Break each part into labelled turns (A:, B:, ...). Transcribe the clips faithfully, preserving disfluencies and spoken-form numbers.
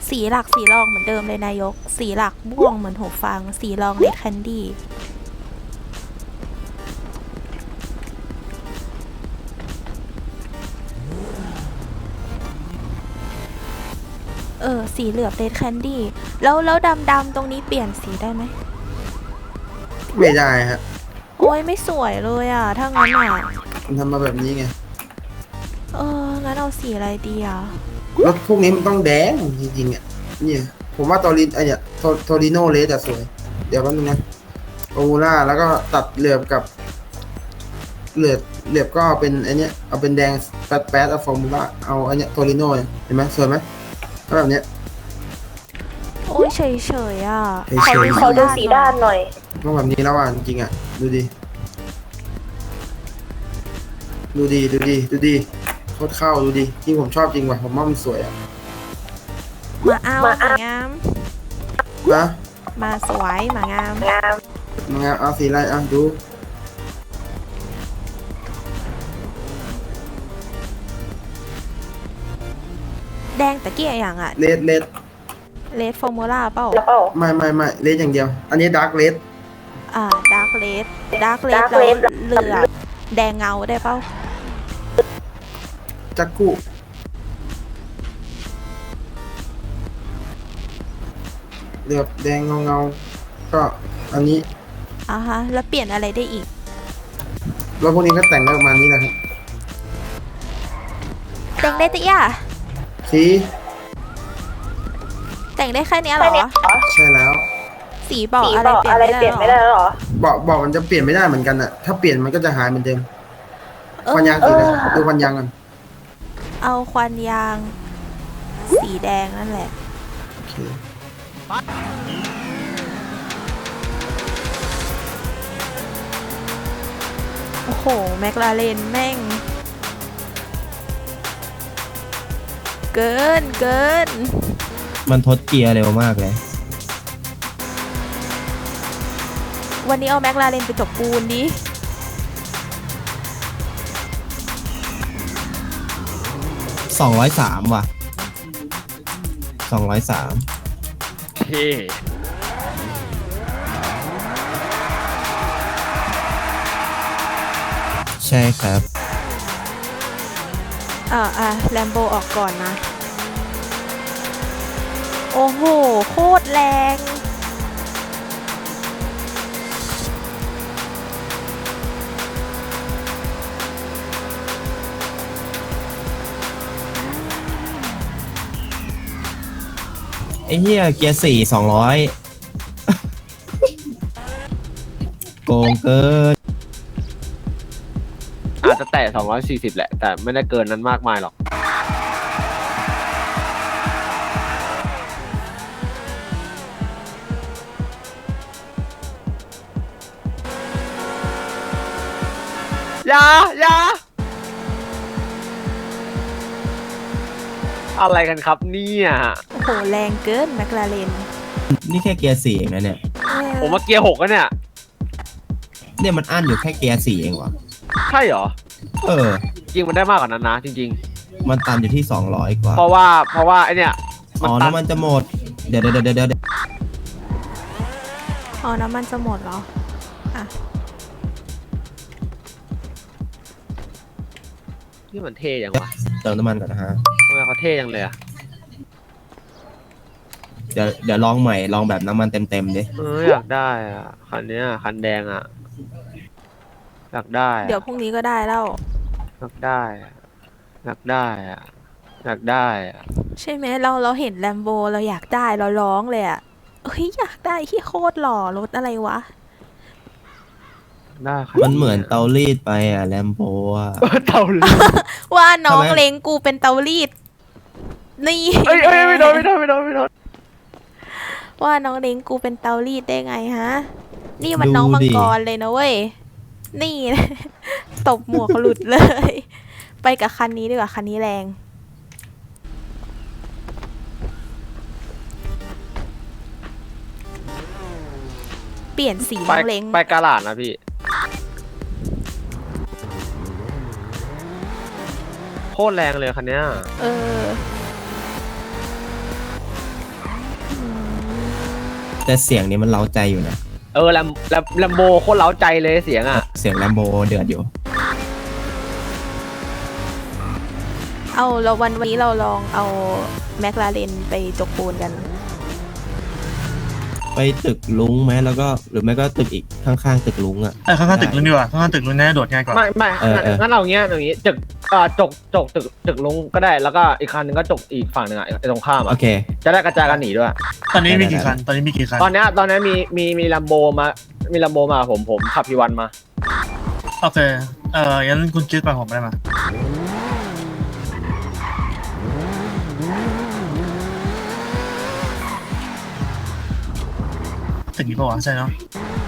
A: สีหลักสีรองเหมือนเดิมเลยนายกสีหลักม่วงเหมือนหูฟังสีรองเลดแคนดี้เออสีเหลือบเลดแคนดี้แล้วแล้วดำดำตรงนี้เปลี่ยนสีได้ไหม
B: ไม่ได้ฮะ
A: โอ้ยไม่สวยเลยอ่ะถ้างั้นอ่ะ
B: มันทำมาแบบนี้ไง
A: เอองั้นเอาสีอะไรดีอ่ะ
B: รถพวกนี้มันต้องแดงจริงๆอ่ะเนี่ยผมว่าตอรินไอเนี่ยโทโทริโนเลสอะสวยเดี๋ยวแป๊บนึงนะโอมูล่าแล้วก็ตัดเหลือบกับเหลือบเหลือบก็เป็นไอเนี้ยเอาเป็นแดงแป๊ดแป๊ดเอาฟอร์มูล่าเอาไอเนี้ยโทริโนเห็นไหมสวยไหมแบบเนี้ย
A: โอ้ยเฉยเฉยอ่ะ
B: เฉยๆ
C: ขอดูสีด้านหน่อย
B: ต้องแบบนี้แล้วอ่ะจริงๆอ่ะดูดิดูดีดูดีดูดีโคตรเข้าดูดีที่ผมชอบจริงว่ะผมว่ามันสวยอ่ะ
A: มาเอามางาม
B: นะ
A: มาสวยมางาม
C: งาม
B: มางานเอาสีอะไรอ่ะดู
A: แดงตะเกียอย่างอ่ะ
B: เลดเลด
A: เลดฟอร์มูล่าเปล่า
C: แล้วเปล่า
B: ไม่ไม่ไม่เลดอย่างเดียวอันนี้ดาร์กเลด
A: อ่าดาร์กเลดดาร์กเลด
C: Dark
A: แล้ว
C: Red
A: เหลือบแดงเงาได้เปล่า
B: จักกุเหลือบแดงเงาเงาก็อันนี้
A: อ่าฮะแล้วเปลี่ยนอะไรได้อีก
B: แล้วพวกนี้ก็แต่งได้ประมาณนี้แหละครับ
A: แต่งได้ตะเกีย
B: สี
A: แต่งได้แค่นี้เหรอ
B: ใช่แล้ว
A: สีบอก
C: สี
A: อะไร
C: บอก
A: เปลี่ยน
C: อะไร
A: ไม่ได้
C: เปลี่ยน
A: หร
C: ไม่ได้
A: อ
C: หรอ
B: บอกบอกมันจะเปลี่ยนไม่ได้เหมือนกันอ่ะถ้าเปลี่ยนมันก็จะหายเหมือนเดิม
A: เออ
B: ควันยางสีอะไรดูควันยางกัน
A: เอาควันยางสีแดงนั่นแหละ
B: โอเค
A: โอ้โหแมคลาเรนแม่งเกินเกิน
D: มันทดเกียร์เร็วมากเลย
A: วันนี้เอาแมคลาเรนไปจบปูนดิ
D: สองร้อยสามว่ะสองร้อยสาม
E: เท่
D: ใช่ครับ
A: อ่าอ่ะแลมโบออกก่อนนะโอ้โหโคตรแรง
D: ไอ้เหี้ยเกียร์สี่สองร้อยโกงเกิน
E: อาจจะแตะสองร้อยสี่สิบแหละแต่ไม่ได้เกินนั้นมากมายหรอกอย่าอย่าอะไรกันครับเนี่ย
A: โอ้โหแรงเกินแมคลาเรน
D: นี่แค่เกียร์สี่เองนะเนี่ย
E: ผมมาเกียร์หกแล้วเนี่ย
D: เนี่ยมันอั้นอยู่แค่เกียร์สี่เองวะ
E: ใช่เหรอ
D: เออ
E: จริงมันได้มากกว่านั้นนะจริง
D: ๆมันตันอยู่ที่สองร้อยกว่า
E: เพราะว่าเพราะว่าไอเนี่ย
D: อ๋อน้ำมันจะหมดเดี๋ยวเดี๋ยวเดี๋ยวเดี๋ยว
A: อ๋อน้ำมันจะหมดเหรออ่ะ
E: นี่มันเท่ยังวะ
D: เติมน้ำมันก่อนนะฮะ
E: ทำไมเขาเท่ยังเลยอะ
D: เดี๋ยวเดี๋ยวลองใหม่ลองแบบน้ำมันเต็มๆดิ
E: เอออยากได้อ่ะคันเนี้ยคันแดงอ่ะอยากได้
A: เดี๋ยวพรุ่งนี้ก็ได้แล้ว
E: อยากได้อยากได้อ่ะอยากได้อ่ะ
A: ใช่ไหมเราเราเห็นแลมโบเราอยากได้เราร้องเลยอ่ะเฮ้ยอยากได้ที่โคตรหล่อรถอะไรวะ
E: ได้
D: มันเหมือนเตารีดไปอ่ะแลมโบอ่ะ
E: เตารีด
A: ว่าน้องเล้งกูเป็นเตารีดนี่
E: เอ้ยเอ้ยไม่โดนไม่โดนไม่โดนไม่โดน
A: ว่าน้องเล้งกูเป็นเตารีดได้ไงฮะนี่มันน้องมังกรเลยนะเว้ยนี่ตบหมวกหลุดเลยไปกับคันนี้ดีกว่าคันนี้แรงเปลี่ยนสีน้องเล้ง
E: ไปกาลาดนะพี่โคตรแรงเลยคันเนี้ย
A: เออ
D: แต่เสียงนี้มันเร้าใจอยู่นะ
E: เออแลมแลมแลมโบโคตรเล้าใจเลยเสียงอ่ะ
D: เสียงแลมโบเดือดอยู่
A: เอาเราวันวันนี้เราลองเอาแมคลาเรนไปจกปูนกัน
D: ไปตึกลุงไหมแล้วก็หรือไม่ก็ตึกอีกข้างๆตึกลุงอ่ะ
C: เออข้างๆตึกลุงดีกว่าข้างๆตึกลุงน่าจะโดดง่ายกว่า
E: ไม่ไม่
D: เออเออ
E: งั้นเราอย่างเงี้ยอย่างงี้จกเอ่อจกจกตึกตึกลุงก็ได้แล้วก็อีกคันหนึงก็จกอีกฝั่งหนึ่งอ่ะไอ้ตรงข้าม
D: โอ
E: อ่ะ
D: เค
E: จะได้กระจายกันหนีด้วย
C: ตอนนี้มี
D: ได้
C: กี่
D: ได้
C: คันตอนนี้มีกี่คัน
E: ตอนเนี้ยตอนเนี้ยมีมีมีลัมโบมามีลัมโบมาผมผมขับพีวันมา
C: โอเคเอองั้นคุณคิดไปผมได้ไหมตึกนี้ปะวะใช่เนาะ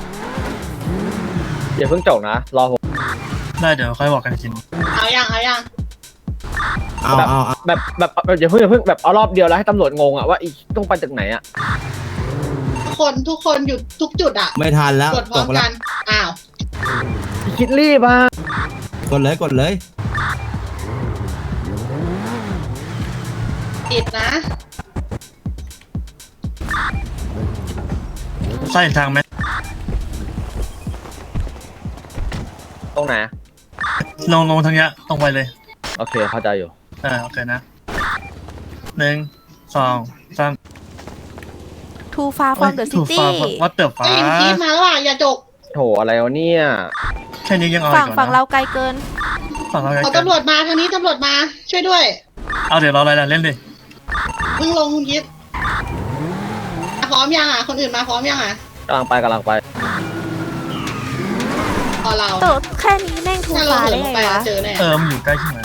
E: อย่าเพิ่งจกนะรอผม
C: ได้เดี๋ยวค่อยบอกกันอีกที
F: เอายังเอายัง
D: เอาเอาเอา
E: แบบแบบแบบอย่าเพิ่งอย่าเพิ่งแบบเอารอบเดียวแล้วให้ตำรวจงงอ่ะว่าอีต้องไปตึกไหนอ่ะ
F: ทุกคนทุกคนอยู่ทุกจุดอ่ะ
D: ไม่ทันแล้ว
F: กดพร้
D: ต
F: อม
D: กแล้
F: กั
D: วน
F: อ้าว
E: คิดรีบอ่ะ
D: กดเลยกดเลย
F: ติดนะ
C: ใช่ทางไหม
E: ตรงไหน
C: ลงลงทางเนี้ยตรงไปเลย
E: โอเคเข้าใจอยู่
C: เออโอเคนะหนึ่งสองสาม
A: Too far from the
C: ถูก
A: city
C: ฟ้าวัดเติบฟ้า
F: ไอ้ยพีทมาแล้วอ่ะอย่าจก
E: โถอะไรวะเนี่ย
C: แค่นี้ยังเอา
A: ฝั่ง
C: อีก
A: ฝั่ง
C: นะ
A: เราไกลเกิน
C: ฝั่งเรา
F: เอาตำรวจมาทางนี้ตำรวจมา ช่วยด้วย
C: เอาเดี๋ยวเราอะไรล่ะเล่นดิ
F: เพิ่งลงคุณคิดพร้อมยังอ่ะคนอื่นมาพร้อมยังอ่ะ
E: กำลังไปกำลังไป
F: พอเรา
A: แต่แค่นี้แม่ง Too
F: ถ้าเรา
A: far
F: เหิ
A: ได้
F: นลง
A: ไง
F: ไป
A: วะ
F: อะเจอแน่
C: เออมันอยู่ใกล้ขึ้นมา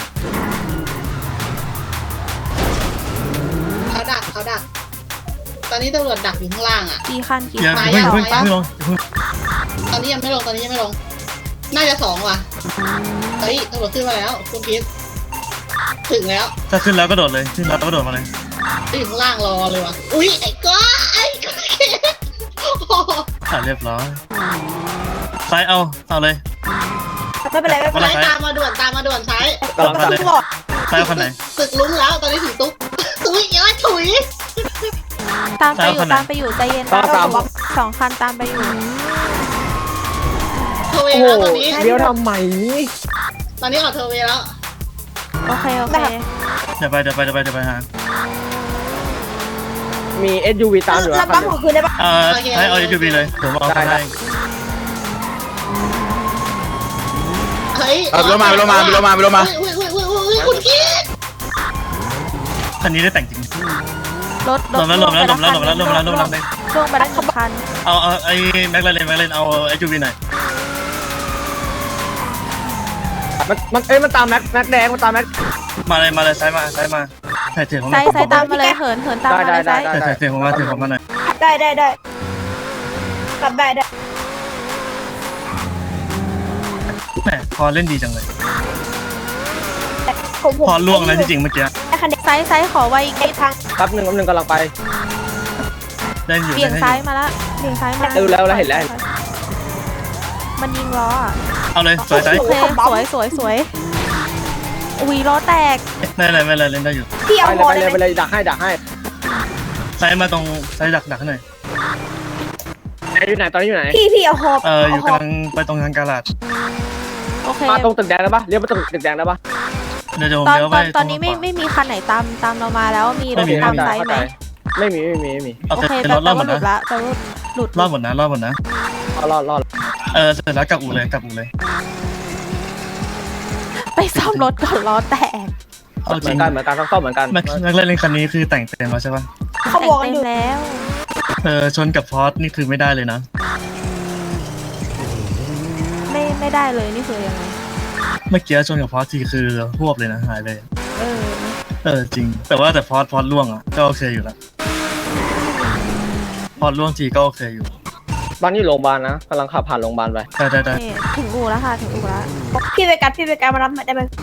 F: เขาดักเขาดัก ตอนนี้ตำรวจดักอยู่ข้างล่างอ่ะ
A: กี่คันกี่
C: อย่า
A: คัน
C: เพิ่ง
F: มา
C: เพิ่ง
F: ยัง
C: เพิ่งลงเพิ่ง
F: ตอนนี้ยังไม่ลงตอนนี้ยังไม่ลง น่าจะสองว่ะเฮ้ยตำรวจขึ้นมาแล้ว คุณคิดถึงแล้ว
C: ถ้าขึ้นแล้วก็โดดเลยขึ้นแล้วก็โดดมาเลย
F: อยู่ข้างล่างรอเลยว่ะอุ้ยไอ้ก้าไอ้ก้าคิดโอ้โห
C: อ่ะเรียบร้อยซ้ายเอาเอาเลย
F: ไม่เป็นไรไม่เป็นไร
C: ซ้าย
F: ตามมาด่วนตามมาด่วนซ้าย
E: กำลัง
C: เอา
E: ไป
C: เลยซ้ายเอาคันไหน
F: ตึกลุ้งแล้วตอนนี้ถึงตุ๊กตุ้ยย้อยถุย
A: ตามไปอยู่
C: ซ้ายคนไหน
A: ตามไปอยู่ใจเย็น
E: ตามตาม
A: สองคันตามไปอยู่
F: เทอร์เว
E: โอ้
F: ย์
E: โห
F: แล้วตอนนี้
E: เลี้ยวทำไม
F: ตอนนี้ออกเทอร์เวย์แล้ว
A: โอเคโอเค
C: เดี๋ยวไปเดี๋ยวไปเดี๋ยวไปเดี๋ยวไปหา
E: มี เอส ยู วี ตามอยู่นะคันหนึ่ง
C: เออให้เอา ยู วี เลยผมเอา
E: ได้
C: ให้
E: ได้
F: เฮ้ย
B: เอาไปรถมาไปรถมาไปรถมาไปรถมา
F: อุ้ยอุ้ยอุ้ยอุ้ยอุ้ยคุณกี้
C: คันนี้ได้แต่งจริง
A: รถ
C: ลงแล้วลงแล้วลงแล้วลงแล้วลงแล้วลงแล้ว
A: ลงไปแล้วหนึ่งคัน
C: เอาเอาไอ้แม็กลาเรนแม็กลาเรนเอาไอ้ยูวีหน่อย
E: มันมันเอ้ยมันตามแม็กแม็กแดงมันตามแม็ก
C: มาเลยมาเลยซ้ายมาซ้ายมาถ่ายเถียงผม
A: ไซส์ไซส์ตามมาเลยเหินเหินตามมาเลยไซส์
C: ถ่ายถ่ายเถียงผมมาเถียงผมมาหน่อย
G: ได้ได้ได้กลับได้ได้
C: แหมพอเล่นดีจังเลย
G: ผมผม
C: พอล่วงแล้วจริงๆเมื่อกี้
G: ได้คะแนน
A: ไซส์ไซส์ขอไว้อีก
G: ไอ้ทาง
E: แป๊บหนึ่งแป๊บหนึ่งกำลังไป
C: เล่นอยู่
A: เบี่ยง
C: เล่นอ
A: ซ้าย
C: ยู่
A: มาละเบี่ยงซ้ายมา
E: เออแล้วแล้วเห็นแล้ว
A: มันยิงล้ออะ
C: เอาเลยสวยใจ
A: โอเคสวยสวยสวยอุ้ยล้อแตก
C: ไม่เป็นไรไม่เป็นไรเล่นได้อยู่
G: พี่เอา
E: ไป
G: หม
E: เล
G: อย
E: ไป
G: ได้ ไหม
E: เลยไปเลยดักให้ดักให้
C: ซ้ายมาตรงซ้ายดักดักหน่อย
E: ไหนอยู่ไหนตอนนี้อยู่ไหน
G: พี่พี่เอาหอบ
C: เอออยู่
G: หอบ
C: กำลังไปตรงทางกาลาด
A: โอเค
E: มาตรงตึกแดงได้ปะเลี้ยวไปตรงตึกแดงได้ปะ
C: เดี๋ยวเดี๋ยวผม
A: ตอน
C: เลี้ยว
A: ต
C: ไป
A: อนตอนนี้ไม่ไม่มีคันไหนตามตามเรามาแล้วมีรถ
C: ไม่มี
A: ตาม
E: เข้าใจ
A: ไซส์
E: เข้า
A: ไห
E: ใจ
A: ม
E: ไม่มีไม่มีไม่มี
C: โอ
A: โอ
C: เค
A: เค
C: เป็น
A: แต่
C: รถร
A: แต่
C: อดหม
A: ว่า
C: ด
A: หลุ
C: นะ
A: ดละแต่ว่าหลุด
C: รอดหมดนะรอดหมดนะ
E: เอารอดรอด
C: เออเสร็จแล้วกลับอู่เลยกลับอู่เลย
A: ไปซ่อมรถก่อนล้อแตก
C: เอา
E: เห
C: จ
E: มื
C: ริ
E: อง นกันเหมือนกันต้องซ่อมเหมือนกัน
C: แม็กแม็กเล่นคันนี้คือแต่งเต็มแล้วใช่ปะ
G: เขา
A: แต่
G: บอก
A: ง
G: กัน
A: เต็
G: อ
A: ม
G: ยู่
A: แล้ว
C: เออชนกับพอร์ตนี่คือไม่ได้เลยนะ
A: ไม่ไม่ได้เลยนี่คือยังไง
C: เมื่อกี้ชนกับพอร์ตทีคือพวบเลยนะหายเลย
A: เออ
C: เออจริง แต่ว่าแต่พอร์ตพอร์ตล่วงอ่ะก็โอเคอยู่แล้วพอร์ตล่วงทีก็โอเคอยู่
E: บ้านอยู่โรงพยาบาลนะกำลังขับผ่านโรงพยาบาลไป
C: ได้ได้ได้
A: นี่ถึงอู่แล้วค่ะถึงอู่แล้ว
G: พี่ไปกัดพี่ไปกัดมารับได้ไหม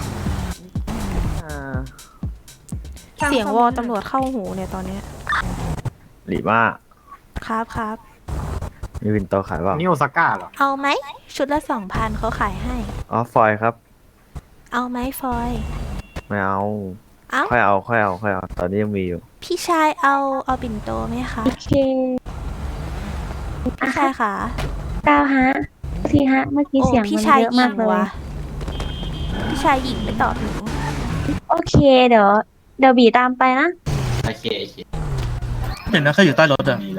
A: เสียงวอลตำรวจเข้าหูเนี่ยตอนเนี้ย
H: หรือว่า
A: ครับครับ
H: มีวินโตขายเปล่า
I: นี่โอซาก้าเหรอ
A: เอาไหมชุดละสองพันเขาขายให้
H: อ๋อฟอยครับ
A: เอาไหมฟอย
H: ไม่เอา
A: เอ้า
H: ค่อยเอาค่อยเอาค่อยเอาตอนนี้ยังมีอยู่
A: พี่ชายเอาเอาปิ่นโตไหมคะพี่ชายค่ะ
I: ก้าวฮะทีฮะ เมื่อกี้
A: โอ้
I: เสียง
A: พี่
I: มัน
A: ชาย
I: เยอะ
A: หญิ
I: มาง กเลย
A: ว่ะพี่ชายหญิงไม่ตอบหนู
I: โอเค เดี๋ยว เดี๋ยวบีตามไปนะ
C: เห็นนะใครอยู่ใต้รถอ่ะ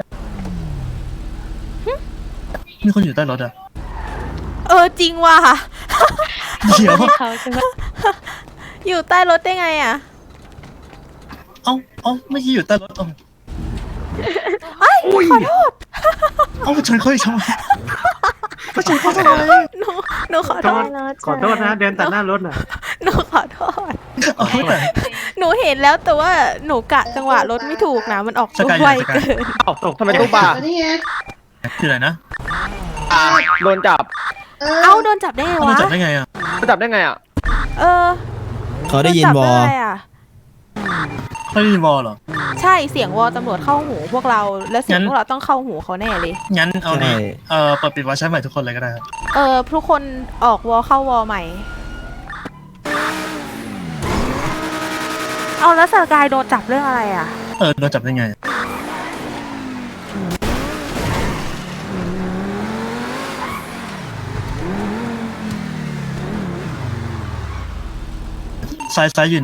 C: มีคนอยู่ใต้รถอ่ะ
A: เออจริงว่ะ
C: เดี๋ยว
I: เขาจะมา
A: อยู่ใต้รถได้ไงอ่ะ
C: เอ้าเอ้าไม่อกี้อยู่ใต้รถเอ้า
A: ไอ้ยขอโทษ
C: เอ้าชนเขาอีกทำไมก็ชนเขาทำไม
A: หนูหนูขอโทษ
I: ขอโทษนะ
E: เดินตัดหน้ารถน่ะ
A: หนูขอโทษ
C: เอาแต่
A: หนูเห็นแล้วแต่ว่าหนูกะจังหวะรถไม่ถูกนะมันออก
C: ส
A: ตัว
C: กาย
A: ไว
C: สกาย
A: เกิน
E: เอ้าทำไมตู้บ่า
F: แล้วนี่ไง
C: คืออะไรนะ
E: โดนจับ
F: เอ
A: เอ้า
F: อ
A: โดนจับได้ไง
C: เอา
A: วะ
C: จับได้ไงอ่ะ
E: โดนจับได้ไงอ่ะ
A: เออ
D: เขาได้ยิน
A: โจั
D: วอ
A: ได้อะ
C: เขาได้ยินวอลเหรอ
A: ใช่เสียงวอตำรวจเข้าหูพวกเรา แล้วเสียง
C: งั้น
A: พวกเราต้องเข้าหูเขาแน่เลย
C: งั้นเอานี้
D: ใช่
C: เอ่อเปิดปิดวาล์วใช้ใหม่ทุกคนเลยก็ได้ครับ
A: เออทุกคนออกวอเข้าวอใหม่ เอาแล้วสกายโดนจับเรื่องอะไรอ่ะ
C: เออโดนจับได้ไงซ้ายซ้ายอยู่ไหน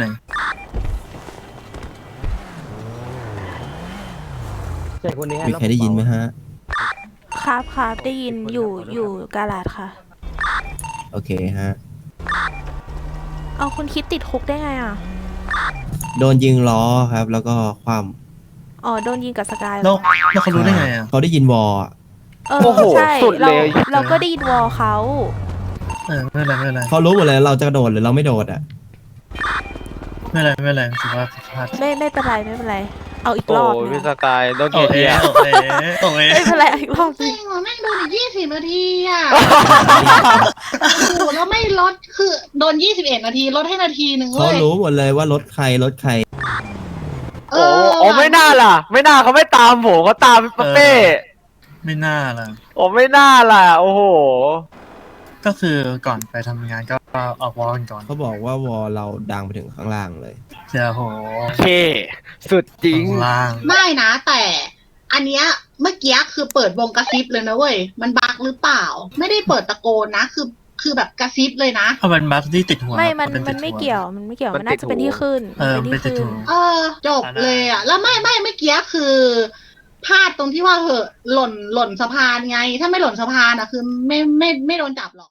D: มีใครได้ยินไหมฮะ
A: ครับครับได้ยินอยู่อยู่กาลาดค่ะ
D: โอเคฮะ
A: เอาคุณคิดติดคุกได้ไงอ่ะ
D: โดนยิงล้อครับ แล้วก็ความ
A: อ๋อโดนยิงกับสกายเหร
C: แล้ว
A: อ
C: แล้วเขารู้ได้ไงอ่ะ
D: เขาได้ยินวออะ
A: เออ
E: โอ้โห
A: ใช่
E: สุด
A: เรา
E: เลย
A: เราก็ได้ยินวอเขา
C: เออไม่เป็นไรไม่เป็นไร
D: เขารู้หมดเลยเราจะโดดหรือเราไม่โดดอ่ะ
C: ไม่เป็นไรไม่เป็นไรถือว่าผิดพลาด
A: ไม่ไม่เป็นไรไม่เป็นไร เอาอีก
E: โอ้
A: รอบ
E: ย
A: นึ
E: พี่
A: ง
E: สกายโดน
C: โอ
E: เกียร์
C: เค
E: เทีย
C: โอเคโอเค
A: ไม่เป็นไรเอาอีกรอบ
F: จ
A: นึ
F: ริ
A: ง
F: งเหรอแม่งโดนอีกยี่สิบนาทีอ่ะ โอ้โหแล้วไม่ลดคือโดนยี่สิบเอ็ดนาทีลดให้นาทีหนึ่ง
D: เขา
F: เว้ย
D: รู้หมดเลยว่ารถใครรถใคร
F: เอ
E: โอ้
F: อ
E: โอ้ไม่น่าล่ะ ไม่น่าเขาไม่ตามผมเขาตามพี่เป้
C: ไม่น่าล่ะ
E: โอ้ไม่น่าล่ะ โอ้โห
C: ก็คือก่อนไปทำงานก็ออกวอลกันก่อน
D: เขาบอกว่าวอเราดังไปถึงข้างล่างเลย
C: เจ้าโห
E: เค สุดจริง
C: ข้างล่าง
F: ไม่นะแต่อันเนี้ยเมื่อกี้คือเปิดวงกระซิบเลยนะเว้ยมันบักหรือเปล่า ไม่ได้เปิดตะโกนนะ คือคือแบบกระซิบเลยนะ
C: เอาเป็นบัคที่ติดหัว
A: ไม่มัน
C: เป็นติ
A: มั
C: ด
A: น
C: หัว
A: ไม่เกี่ยวมันไม่เกี่ยว
E: มัน
A: มันน่าจะเป็นที่ขึ้น
C: เออ
A: มัน
C: เป็น
A: ที่
C: ติด
A: ขึ้น
C: หัว
F: เออ จบเลยอ่ะ แล้วไม่ไม่เมื่อกี้คือพลาดตรงที่ว่าเหอะหล่นหล่นสะพานไง ถ้าไม่หล่นสะพานอ่ะคือไม่ไม่ไม่โดนจับหรอก